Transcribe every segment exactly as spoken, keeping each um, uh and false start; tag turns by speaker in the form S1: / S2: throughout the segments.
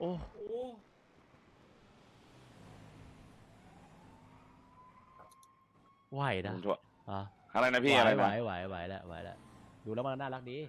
S1: อ้ไหวนะอ่ะ
S2: อะไรนะพี่อะไร
S1: ไหว
S2: นะ
S1: ไหวไหวแล้วไหวแล้วดูแล้วมันน่ารักดี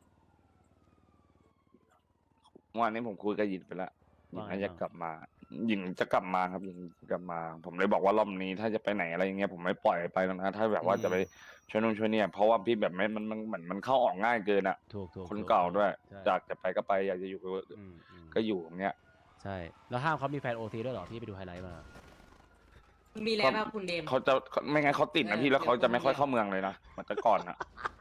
S2: เมื่อวานนี้ผมคุยกับหยินไปแล้วหยิน
S1: ว่าไง
S2: น่าจะ
S1: บ้าง
S2: กลับมาหยินจะกลับมาครับหยินจะกลับมา ผมเลยบอกว่ารอบนี้ถ้าจะไปไหนอะไรอย่างเงี้ยผมไม่ปล่อยไปแล้วนะถ้าแบบว่าจะไปช่วยนู่นช่วยเนี่ยเพราะว่าพี่แบบไม่มันมันเหมือนมันเข้าออกง่ายเกินอ่ะ
S1: ถูกถูก
S2: คน
S1: ถูก
S2: เก่า
S1: ถูก
S2: ด้วย
S1: ใช่
S2: อยากจะไปก็ไปอยากจะอยู่ก็
S1: อืมอืม
S2: ก็อยู่อย่างเงี้ย
S1: ใช่แล้วห้ามเขามีแฟนโอซีด้วยเหรอพี่ไปดูไฮไลท์มา
S3: มีแล้วป่ะคุณเดม
S2: เขาจะไม่งั้นเขาติดนะพี่แล้วเขาจะไม่ค่อยเข้าเมืองเลยนะเหมือนแต่ก่อนอ่ะ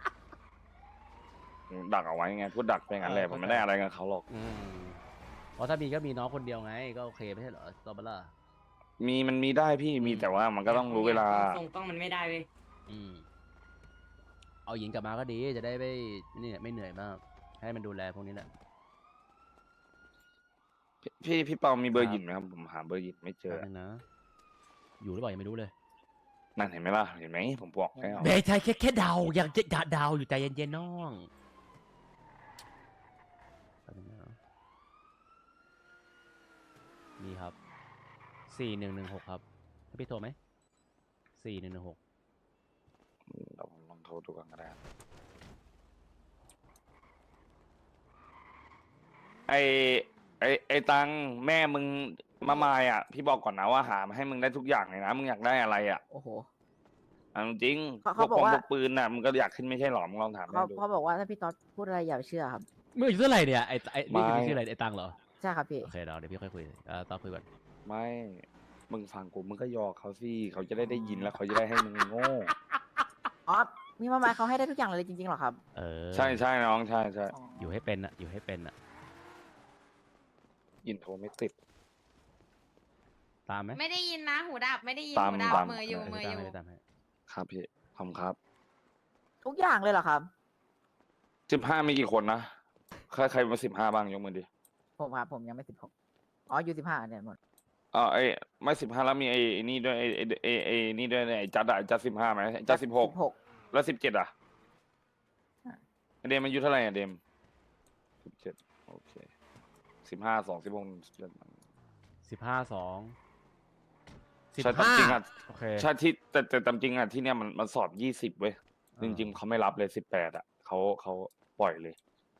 S2: ดักเอาไว้ไงพูดดักไปงั้นแหละผมไม่ได้อะไรกับเขาหรอก
S1: อืมเพราะถ้ามีก็มีน้องคนเดียวไงก็โอเคไม่ใช่เหรอตอบล่ะ
S2: มีมันมีได้พี่มีแต่ว่ามันก็ต้องรู้เวลา
S3: ทรงต้องมันไม่ได้เว้ย
S1: อืมเอาหญิงกลับมาก็ดีจะได้ไม่นี่ไม่เหนื่อยมากให้มันดูแลพวกนี้แหละ
S2: พี่พี่เปามีเบอ
S1: ค
S2: ร์
S1: รับ
S2: หยินไหมครับผมหาเบอร์หยินไม่เจอ
S1: แป๊บนึงนะอยู่หรือเปล่ายังไม่รู้เลย
S2: นั่นเห็นไหมล่ะเห็นไหมผมบอกแล้ว
S1: เบย์ใช่แค่แค่เดายังจะเดาอยู่ใจเย็นๆน้องแป๊บนึงนะนี่ครับสี่หนึ่งหนึ่งหกครับให้พี่โทรไหมสี่หนึ่งหนึ่งหก
S2: เราลองโทรดูกันก็ได้ไอไอไอตังแม่มึงมามายอ่ะพี่บอกก่อนนะว่าหามาให้มึงได้ทุกอย่างเลยนะมึงอยากได้อะไรอ่ะ
S4: โอ้โห
S2: เอาจริง
S4: เขา
S2: พว
S4: เขา
S2: ก
S4: บอก
S2: ปง
S4: ว่า
S2: พวกปืนน่ะมึงก็อยากขึ้นไม่ใช่หรอมึงลองถาม
S4: เขา
S2: แม่ดู
S4: เขาบอกว่าถ้าพี่ต๊อดพูดอะไรอย่าไปเชื่อครับ
S1: มึงอายุเท่าไหร่เนี่ยไอ้ไอ้นี่
S2: ไม่
S1: คือชื่ออะไรไอ้ตังเหรอ
S4: ใช่ครับพี่
S1: โอเคเดี๋ยวเดี๋ยวพี่ค่อยคุยอ่าตอนคุยก่อน
S2: ไม่มึงฟังกูมึงก็ยอเขาสิเขาจะได้ได้ยินแล้วเขาจะได้ให้มึงโง่
S4: อ๋อ มีมาหมายเขาให้ได้ทุกอย่างเลยจริงๆเหรอครับ
S1: เออ
S2: ใช่ใช่น้องใช่ใช่
S4: อ๋อ
S1: อยู่ให้เป็นอะอยู่ให้เป็นอะ
S2: ยินโทรไม่ติด
S1: ตามไหม
S3: ไม่ได้ยินนะหูดับไม่ได้ยิน
S2: ตาม
S3: หูดับ
S2: ตาม
S3: เมืออยู่
S1: เออ
S3: เมือ
S1: ตา
S3: อ
S1: ม
S3: ยู่
S1: ให้ตามให้
S2: ครับพี่ขอบคุณครับ
S4: ทุกอย่างเลยเหรอครับ
S2: สิบห้ามีกี่คนนะใครใครมาสิบห้าบ้างยกมือดิ
S4: ผมครับผมยังไม่สิบหกอ๋ออยู่สิบห้าเนี่ยหมด
S2: อ๋อไอ้ไม่สิบห้าแล้วมีไอ้ไอ้นี่ด้วยไอ้ไอ้ไอ้ไอ้นี่ด้วยไอ้จัดอะจัดสิบห้าไหมจัดสิบหก
S4: สิบหก
S2: แล้วสิบเจ็ดอะ
S4: อ่ะ
S2: เดมอายุเท่าไหร่อะเดมสิบเจ็ดโอเคสิบห้าสองสิบหกสิบเจ็ด
S1: สิบห้าสองสิบ
S2: ใช่ตาม
S1: ห้า
S2: จริงอะ
S1: โอเค
S2: ใช่ที่แต่แต่ตามจริงอะที่เนี้ยมันมันสอบยี่สิบเว้ย
S1: อ่า
S2: จริงๆเขาไม่รับเลยสิบแปดอะเขาเขาปล่อยเลย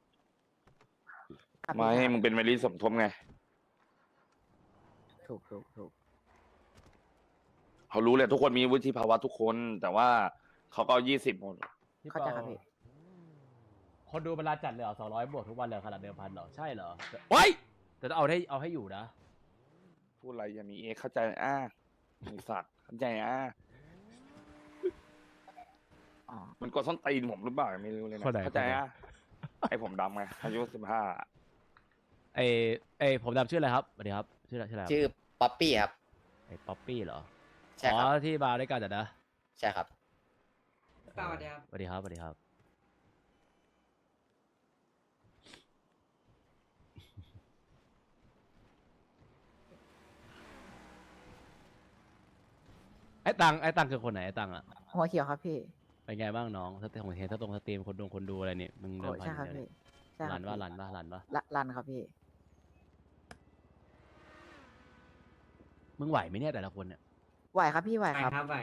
S4: ครับ
S2: ไม่
S4: พี่
S2: มึงเป็นเมลีสมทบไง
S4: ถูกถูกถูก
S2: เขารู้เลยทุกคนมีวุฒิภาวะทุกคน แต่ว่าเขาก็ยี่สิบหมด
S1: พี่
S4: เข้าใจครับพี่
S1: คนดูเวลาจัดเลยเหรอสองร้อยบวกทุกวันเลยขนาดเดิมพันเหรอใช่เหรอโอ้ยแต่ต้องเอาให้เอาให้อยู่นะ
S2: พูดอะไรอย่ามีเอเข้าใจอ่ะมีสัตว์เข้าใจอ่ะ
S4: อ๋อ
S2: มันกดส้นตีนผมหรือเปล่าไม่รู้เลยนะ
S1: คนไหน
S2: เข้าใจอ่ะไอผมดำไงอายุสิบห้า
S1: ไอไอผมดำชื่ออะไรครับสวัสดีครับชื่ออะไรชื่ออะไรครับ
S5: ชื่อป๊อปปี้ครับ
S1: ไอป๊อปปี้เหรอ
S5: ใช่
S1: อ๋
S5: ครับ
S1: อที่มาด้วยกันแต่นะ
S5: ใช่ครับ
S3: เปล่าเดียว
S1: สวัสดีครับสวัสดีครับไอ้ตังไอ้ตังคือคนไหนไอ้ตังอะ
S4: หัวเขียวครับพี่
S1: เป็นไงบ้างน้องสเตของเห็นสตรงสตรีมคนดูคนดูอะไรนี่มึงเดิ
S4: โอ้
S1: มพัน
S4: ใช่ครับ
S1: เดียว
S4: พี่
S1: เนี่ย
S4: ใช่ค
S1: รั
S4: รับ
S1: นว่า
S4: พี่
S1: รันว่ารันว่า
S4: ละรันครับพี่
S1: มึงไหวไหมเนี่ยแต่ละคนเนี่ย
S4: ไหวครับพี่ไหว
S3: ไป
S4: ครับ
S3: ครับไป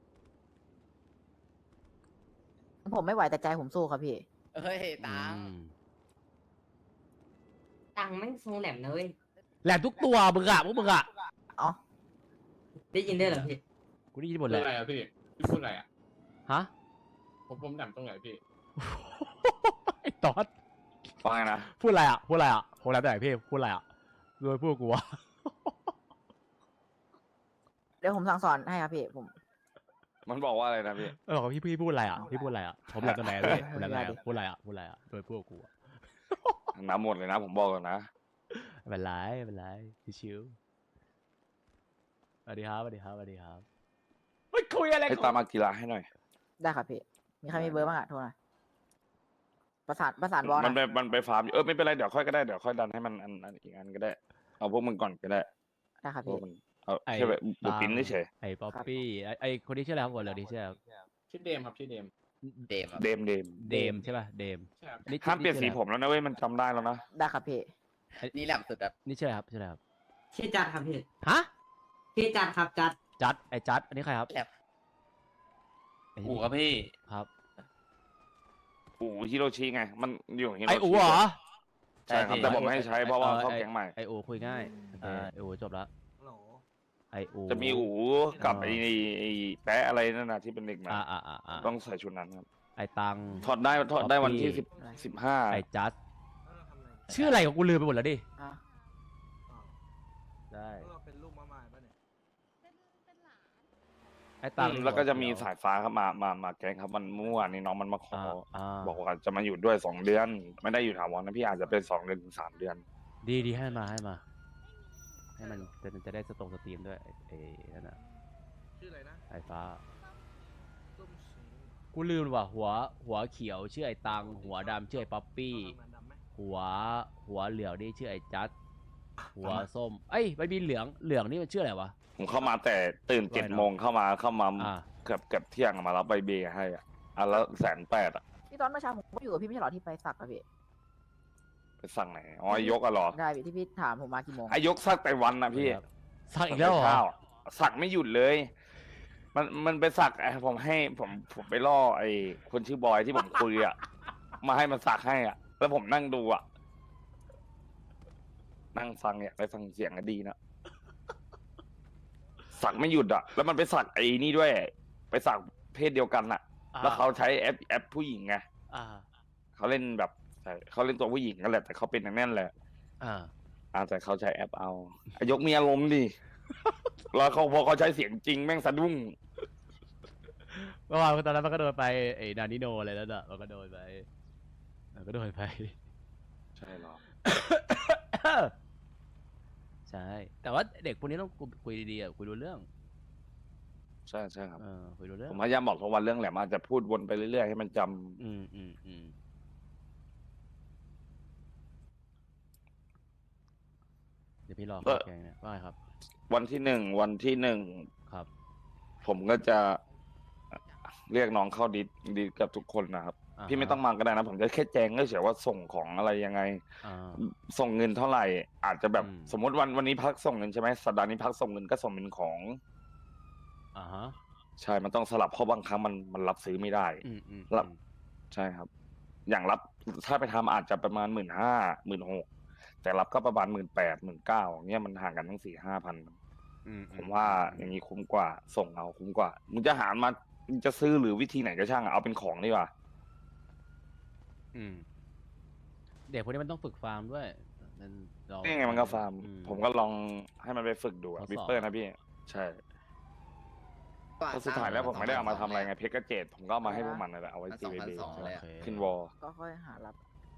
S4: ผมไม่ไหวแต่ใจผมสู้ครับพี่
S5: เฮ้ยตัง
S1: อืม
S3: ตังค์แม่งทรงแหลมนะเว้ย
S1: แหลมทุกตัวมึงอะพวกมึงอะ
S4: อ๋อ
S3: ได้ยินได้วยเหรอพี่
S1: กูได้ยินหมด
S6: พู
S1: เล
S6: ด
S1: ย
S6: อะไรอ่ะพี่ พี่พูดอะไรอ่ะ
S1: ฮะ
S6: ผมผมแหลมตรงไหนพี่
S1: ไอ้ตอด
S2: ฟังไงนะ
S1: พูดอะไรอะพูดอะไรอะผมแล้วแต่พี่พูดอะไรอะโดยพูดกูวะ
S4: เดี๋ยวผมสั่งสอนให้ครับพี่ผม
S2: มันบอกว่าอะไรนะพี่
S1: เออพี่พี่พูดอะไรอะพี่พูดอะไรอะผมแหลมตัวไหนอะพี่ผมแหลมตัวไหนอะพูดอะไรอะพูดอะไรอะโดยพูดกูอะ
S2: น้ำหมดเลยนะ ผมบอกก่อนนะ
S1: ไม่เป็นไรไม่เป็นไรชิวๆสวัสดีครับสวัสดีครับสวัสดีครับไม่คุยอะไร
S2: ให้
S1: ของ
S2: ตามมากีฬาให้หน่อย
S4: ได้ครับพี่ มีใครมีเบอร์บ้างอะโทรหน่อยประสานประสานวอล
S2: มัน
S4: นะ
S2: ไปมันไปฟาร์มอยู่เออไม่เป็นไรเดี๋ยวค่อยก็ได้เดี๋ยวค่อยดันให้มันอันอันอีกอันก็ได้ เอาพวกมึงก่อนก็ได้
S4: ได้ครับ
S2: พว
S4: พี่
S2: กมันเอาแค่แบบบุกปิ้นเฉย
S1: ไอ้ป๊อปปี้ไอ้ไอ้คนที่ชื่ออะไรครับคนเหลือที่ชื่ออะไรครับ
S6: ชื่อเดมครับชื่อเดม
S5: เดมครับ
S2: เดมเดม
S1: เดมใช่ป่ะเดม
S6: ใช่ครับ
S1: นี่
S2: ห้ามเปลี่ยนสี
S1: ชื่ออะไร
S2: ผมแล้วนะเว้ยมันจำได้แล้วนะ
S4: ได้ครับพี่
S5: นี่แหลมสุดครับ
S1: นี่ชื่ออะไรครับชื่ออะไรครับ
S3: ชื่อจัดครับพี่
S1: ฮะ
S3: ชื่อจัดครับจัด
S1: จัดไอ้จัดอันนี้ใครครับ
S5: แหลม
S1: ไอ้
S7: อู๋
S1: นี่
S7: ครับพี่
S1: ครับ
S2: อู๋ฮิโรชิไง มันอยู่ฮิโรชิ
S1: ไอ้อูเหรอ
S2: ใช่ครับแต่ผมไม่ให้ใช้เพราะว่าเขา
S1: ไอ้
S2: แก๊งใหม่
S1: ไออูคุยง่ายโอเคไออูจบละไออู
S2: จะมีอู๋กับไอ้ไอ้แปะอะไรนั่นนะที่เป็นเด็กมา
S1: อ่าอ่าอ่าอ่า
S2: ต้องใส่ชุดนั้นครับ
S1: ไอตัง
S2: ถอดได้ถอดได้วันที่
S1: Copy
S2: สิบสิบห้า
S1: ไอจัดชื่ออะไรของกูลืมไปหมดแล้วดิ
S4: อ่ะ
S1: ได้
S8: เป็นลูกมาใหม่ปะเนี่ย
S1: ไอตัง
S2: แล้วก็จะมีสายฟ้าครับมามามาแก๊งครับมันเมื่อวานนี้น้องมันมาขอ
S1: อ่าอ่า
S2: บอกว่าจะมาอยู่ด้วยสองเดือน ไม่ได้อยู่ถาวรนะพี่อาจจะเป็นสองเดือนถึงสามเดือน
S1: ดีดีให้มาให้มา ให้มันจะจะได้สตรงสตรีมด้วยไอไอ้นั่นน่ะ
S8: ชื่ออะไรนะ
S1: ไอฟ้า
S8: ส้มสี
S1: กูลืมว่ะหัวหัวเขียวชื่อไอตังหัวดำชื่อไอป๊อปปี้
S8: เหมือนดำไหม
S1: หัวหัวเหลืองนี่ชื่อไอจัดหัวส้มเอ้ยไม่มีเหลืองเหลืองนี่มันชื่ออะไรวะ
S2: ผมเข้ามาแต่ตื่น
S1: ว่าไง
S2: เจ็ด
S1: เนอะ
S2: โมงเข้ามาเข้ามา
S1: อ่า
S2: เกือบเกือบเที่ยงมารับใบเบให้อ่ะอันละแสนแปดอ่ะ
S4: พี่ตอนเมื่อเช้าผมก็อยู่กับพี่ไม่ใช่เหรอที่ไปสักอะพี่
S2: ไปสั่งไหนอ๋อไอ้ยกอะเหรอ
S4: ได้พี่ที่พี่ถามผมมากี่โมง
S2: ไอ้ยกสักแต่วันนะพี่
S1: ครับสักอีกแล้วเหรอ
S2: ข้าวสักไม่หยุดเลย มันมันไปสักไอ้ผมให้ผมผมไปล่อไอ้คนชื่อบอยที่ผมคุยอ่ะ มาให้มันสักให้อ่ะ แล้วผมนั่งดูอ่ะ นั่งฟังเนี่ยไปฟังเสียงก็ดีนะ สักไม่หยุดอ่ะ แล้วมันไปสักไอ้นี่ด้วย ไปสักเพศเดียวกันอ่ะ แล้วเขาใช้แอปแอปผู้หญิงไง
S1: อ่า
S2: เขาเล่นแบบเขาเล่นตัวผู้หญิงนั่นแหละแต่เขาเป็นอย่างนั้นแหละ
S1: อ่า
S2: อาแต่เขาใช้แอปเอาไอ้ยกมีอารมณ์ดิ แล้วเขาพอเขาใช้เสียงจริงแม่งสะดุ้ง
S1: เมื่อวานตอนนั้นมันก็โดนไปไอ้นานิโนอะไรแล้วน่ะมันก็โดนไปมันก็โดนไป
S2: ใช่หรอ
S1: ใช่ แต่ว่าเด็กพวกนี้ต้องคุยดีๆอ่ะคุยรู้เรื่อง
S2: ใช่ใช่ครับ
S1: เออคุยรู้เรื่อ
S2: ผ
S1: ง
S2: มพยายามบอกทุกวันเรื่องแหละอาจจะพูดวนไปเรื่อยๆให้มันจำ
S1: อืมอืมอืมเดี๋ยวพี่รอเข้าแกงเนี่ยว่าไงครับ
S2: วันที่หนึ่งวันที่หนึ่ง
S1: ครับ
S2: ผมก็จะเรียกน้องเข้าดิสดิสกับทุกคนนะครับ
S1: อ่าฮะ
S2: พี่ไม่ต้องมาก็ได้นะ ผมจะแค่แจ้งเฉยๆว่าส่งของอะไรยังไง
S1: อ่า
S2: ส่งเงินเท่าไหร่ อาจจะแบบ
S1: อืม
S2: สมมติวันวันนี้พักส่งเงินใช่ไหมสัปดาห์นี้พักส่งเงินก็ส่งเป็นของ
S1: อ่าฮะ
S2: ใช่ มันต้องสลับเพราะบางครั้งมันมันรับซื้อไม่ได้
S1: อืมอืม
S2: รับ ใช่ครับ อย่างรับถ้าไปทำอาจจะประมาณหมื่นห้าหมื่นหกแต่รับก็ประมาณหมื่นแปดหมื่นเก้าเนี่ยมันห่างกันทั้งสี่ห้าพัน
S1: อืม
S2: ผมว่าอย่างนี้คุ้มกว่าส่งเอาคุ้มกว่ามึงจะหามามึงจะซื้อหรือวิธีไหนก็ช่างอะเอาเป็นของดีกว่า
S1: อืมเด็กพวกนี้มันต้องฝึกฟาร์มด้วยนั่นเรา
S2: นี่ไงมันก็ฟาร์ม
S1: อื
S2: ผมก็ลองให้มันไปฝึกดูอะ
S1: ทดสอบ
S2: วิปเปอร์นะพี่ ใช่เพราะสุดท้ายแล้วผมไม่ได้เอามาทำอะไรไงเพชรกระเจดผมก็เอามาให้พวกมันนั่นแหละเอาไว้ตีเบบี
S5: สองพันสองเลย
S1: โอ
S5: อะ
S1: เค
S2: ขึ้นวอล
S4: ก็ค่อยหารับ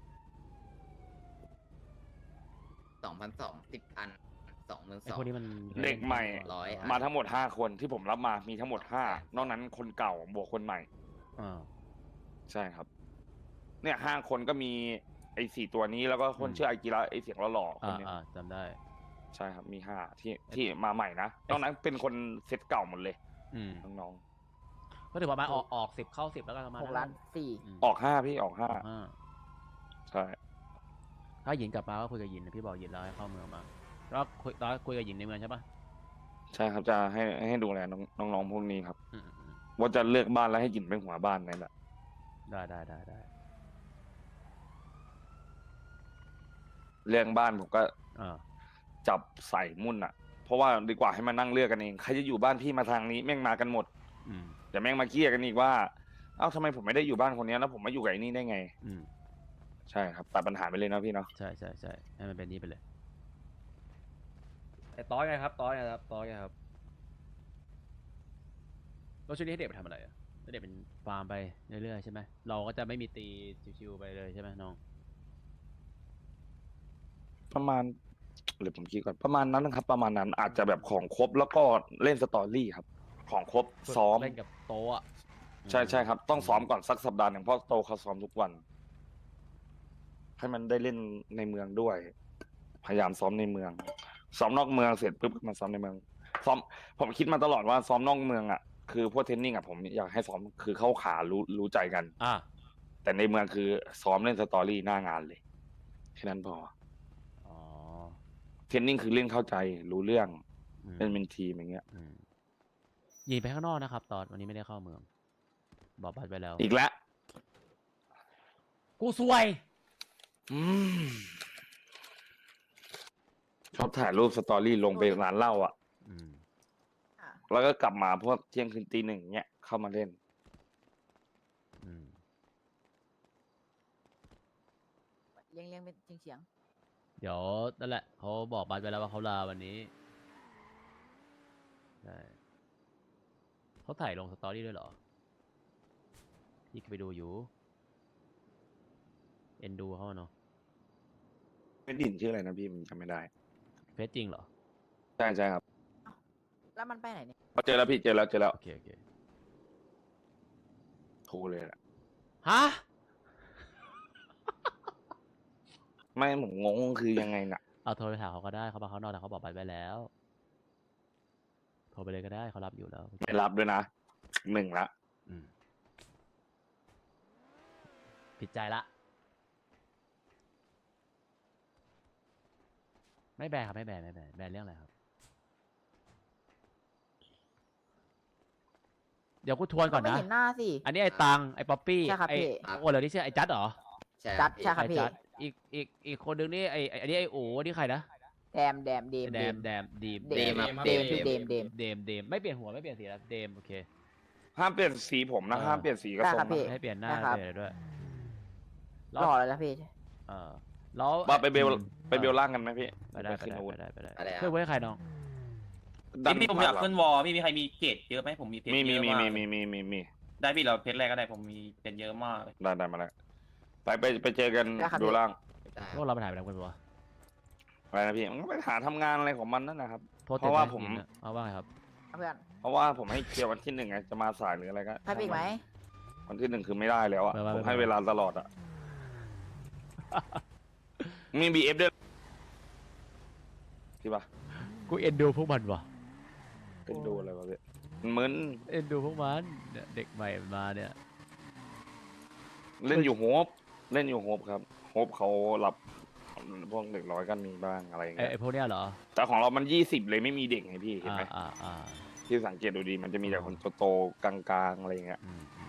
S5: สองพันสองสิบอันสองหมื่น
S1: ไอ้
S5: สอง
S1: พวกนี้มัน
S2: เด็กใหม่
S5: ร้อยอัน
S2: มาทั้งหมดห้าคนที่ผมรับมามีทั้งหมดห้านอกนั้นคนเก่าบวกคนใหม่
S1: อ่า
S2: ใช่ครับ เนี่ยห้าคนก็มีไอ้สี่ตัวนี้แล้วก็คน
S1: อืม
S2: ชื่ออากิระไอ้เสียงหล่อๆคน
S1: อ่า
S2: นี้
S1: อ่าจำได้
S2: ใช่ครับมีห้าที่ที่มาใหม่นะนอกนั้นเป็นคนเซตเก่าหมดเลย
S1: อืม
S2: น้อง
S1: ก็ถือว่ามาออกออกสิบเข้าสิบแล้วกันประมาณ
S4: หกล้านสี่
S1: ม
S2: ๆออกห้าพี่ออกห้า
S1: ห้า
S2: ใช่
S1: ถ้าหยินกลับมาก็คุยกับหยินนะพี่บอกหยินแล้วให้เข้าเมืองมาแล้วคุยตอนคุยกับหยินในเมืองใช่ปะ
S2: ใช่ครับจะให้ให้ดูแลน้องน้องๆพวกนี้ครับ
S1: อืมอืม
S2: ว่าจะเลือกบ้านแล้วให้หยินเป็นหัวบ้านนั่นแหละ
S1: ได้ได้ได้ได้
S2: เรื่องบ้านผมก็
S1: อ่า
S2: จับใส่มุ่นอ่ะ เพราะว่าดีกว่าให้มานั่งเลือกกันเองใครจะอยู่บ้านพี่มาทางนี้แม่งมากันหมด
S1: อืม
S2: แต่แม่งมาเกลี้ยกันอีกว่าเอ้าทำไมผมไม่ได้อยู่บ้านคนนี้แล้วผมมาอยู่กับไอ้นี่ได้ไง
S1: อืม
S2: ใช่ครับตัดปัญหาไปเลยนะพี่เนาะ
S1: ใช่ใช่ใช่ให้มันเป็นนี้ไปเลยไอ้ต้อยไงครับต้อยไงครับต้อยไงครับแล้วช่วงนี้ให้เด็กไปทำอะไรอ่ะให้เด็กเป็นฟาร์มไปเรื่อยๆใช่ไหมเราก็จะไม่มีตีชิวๆไปเลยใช่ไหมน้อง
S2: ประมาณหรือผมคิดก่อนประมาณนั้นนะครับ ประมาณนั้นอาจจะแบบของครบแล้วก็เล่นสตอรี่ครับ ของครบ
S1: ฝึก
S2: ซ้อม
S1: เล่นกับโต๊ะอะ
S2: ใช่ใช่ครับ ต้องซ้อมก่อนสักสัปดาห์หนึ่งเพราะโตเขาซ้อมทุกวัน ให้มันได้เล่นในเมืองด้วย พยายามซ้อมในเมือง ซ้อมนอกเมืองเสร็จปุ๊บก็มาซ้อมในเมือง ซ้อม ผมคิดมาตลอดว่าซ้อมนอกเมืองอ่ะคือพวกเทรนนิ่งอ่ะผมอยากให้ซ้อมคือเข้าขารู้รู้ใจกัน
S1: อ่า
S2: แต่ในเมืองคือซ้อมเล่นสตอรี่หน้างานเลยแค่นั้นพอ
S1: อ๋อ
S2: รนนิ่งคือเล่นเข้าใจรู้เรื่อง
S1: อืม
S2: เล่นเป็นทีมอย่างเงี้ย
S1: อืมยิงไปข้างนอกนะครับ ตอนวันนี้ไม่ได้เข้าเมือง บอกบัตรไปแล้ว
S2: อีกแล้ว
S1: กูซวย
S2: อืมชอบถ่ายรูปสตอรี่ลงไปร้านเหล้าอ่ะ
S1: อืม
S4: อ่ะ
S2: แล้วก็กลับมาพวกเที่ยงคืนตีหนึ่งเนี้ยเข้ามาเล่น
S1: อืม
S4: เลี้ยงเลี้ยงเป็นเฉียงเฉียง
S1: เดี๋ยวนั่นแหละเขาบอกบัตรไปแล้วว่าเขาลาวันนี้ใช่เขาถ่ายลงสตอรี่ด้วยเหรอ พี่ก็ไปดูอยู่ เอ็นดูเขาอะเนาะ
S2: ไม่ดินชื่ออะไรนะพี่มันจำไม่ได้
S1: เฟซจริงเหรอ
S2: ใช่ใช่ครับ
S4: ๆแล้วมันไปไหนเนี่ย
S2: เจอแล้วพี่เจอแล้วเจอแล้ว
S1: โอเค โอเค
S2: โทรเลยแหละ
S1: ฮะ
S2: ไม่ผมงงคือยังไงน่ะ
S1: เอาโทรไปถามเขาก็ได้เขาบอกเขานอนแต่เขาบอกบัตรไปแล้ว โทรไปเลยก็ได้เขารับอยู่แล้ว
S2: ไม่รับด้วยนะหนึ่งละ
S1: อืมผิดใจละ ไม่แบนครับไม่แบนไม่แบนแบนเรื่องอะไรครับ เดี๋ยวกูทวนก่อน
S4: ไม่
S1: นะ
S4: เห็นหน้าสิ
S1: อันนี้ไอ้ตังไอ้ป๊อปปี้
S4: ใช่ครับ
S1: ไอ้
S4: พี่
S1: โอ้เหรอนี่ชื่อไอ้จัดเหรอ
S5: ใช่
S4: จัด
S5: พี่
S4: ใช่ครับ
S1: ไอ้
S4: พี่
S1: จัดอีกอีกอีกคนนึงนี่ไอ้ไอ้อันนี้ไอ้โอ้นี่ใครนะ
S4: แดมแดมเดม
S1: แดมแดมดีม
S4: เดม
S6: ครับ
S4: เดมชื่อเดมเดม
S1: เดมเดมไม่เปลี่ยนหัวไม่เปลี่ยนสีแล้วเดมโอเค
S2: ห้ามเปลี่ยนสีผมนะ
S1: เออ
S2: ห้ามเปลี่ยนสีกระ
S4: ได้
S2: ทร
S4: ครั
S2: ง
S4: บพี่
S2: นะ
S1: ให้เปลี่ยนหน้า
S4: ได้
S1: ให้
S4: ครับ
S1: เปลี่ยนอะไรด้วย
S4: หล่อเลยนะพี่
S1: เออแล้ว
S2: ว่าไปเบล
S1: อืม
S2: ไปเบลล่างกันไหมพี่
S1: ไปได้ไป
S2: ขึ้น
S1: ได้
S2: อาวุธ
S1: ไปได้ไปได้
S5: อะไรอะ
S1: เพื่อนไว้ให้ใครน้อง
S2: ดัน
S7: พี่ผมอยาก
S2: หลัง
S7: ขึ้นวอลพี่มีใครมีเพจเยอะไหมผมมีเพจ
S2: มี
S7: เย
S2: มี
S7: อะ
S2: มี
S7: มาก
S2: มี
S7: เล
S2: มี
S7: ย
S2: มีมีมี
S7: ได้พี่เราเพจแรกก็ได้ผมมีเพจเยอะมากเลย
S2: ได้ได้มาแล้วไปไปไปเจอกัน
S4: ได้ครับ
S2: ดูล่าง
S5: ได้
S1: พวกเราไปถ่ายไปแล้วกันปะวะ
S2: อะไรนะพี่มันก็ไปหาทำงานอะไรของมันนั่นนะครับ
S1: โทษ
S2: เพราะว่า
S1: ต็
S2: ผม
S1: หินอะเอาว่าไงครับ
S4: เพื่อน
S2: เพราะว่าผมให้เคลียร์วันที่หนึ่งไงจะมาสายหรืออะไรก็
S4: ใครไปอีกไหม
S2: วันที่หนึ่งคือไม่ได้แล้วอ่ะ
S1: ไม่ไม่
S2: ผม
S1: ไม่
S2: ให้เวลาตลอดอ่ะ มีบีเอฟด้วยที่ปะ
S1: กูเอ็นดูพวกมันวะ
S2: เป็นดูอะไรวะพี่มันมึน
S1: เอ็นดูพวกมันเนี่ยเด็กใหม่มาเนี่ย
S2: เล่นอยู่โฮปเล่นอยู่โฮปครับโฮปเขารับพวกเด็กร้อยกันมีบ้างอะไรอย่าง
S1: ไอ้
S2: เงี้ย
S1: ไอ้พวกเนี้ยเหรอ
S2: แต่ของเรามันยี่สิบเลยไม่มีเด็กไงพี่เห็น
S1: อ่า
S2: ไหม
S1: อ่าอ่า
S2: ที่สังเกตดูดีมันจะมีแต่คนโตๆกลางๆอะไรอย่างเงี้ย
S1: อืมอื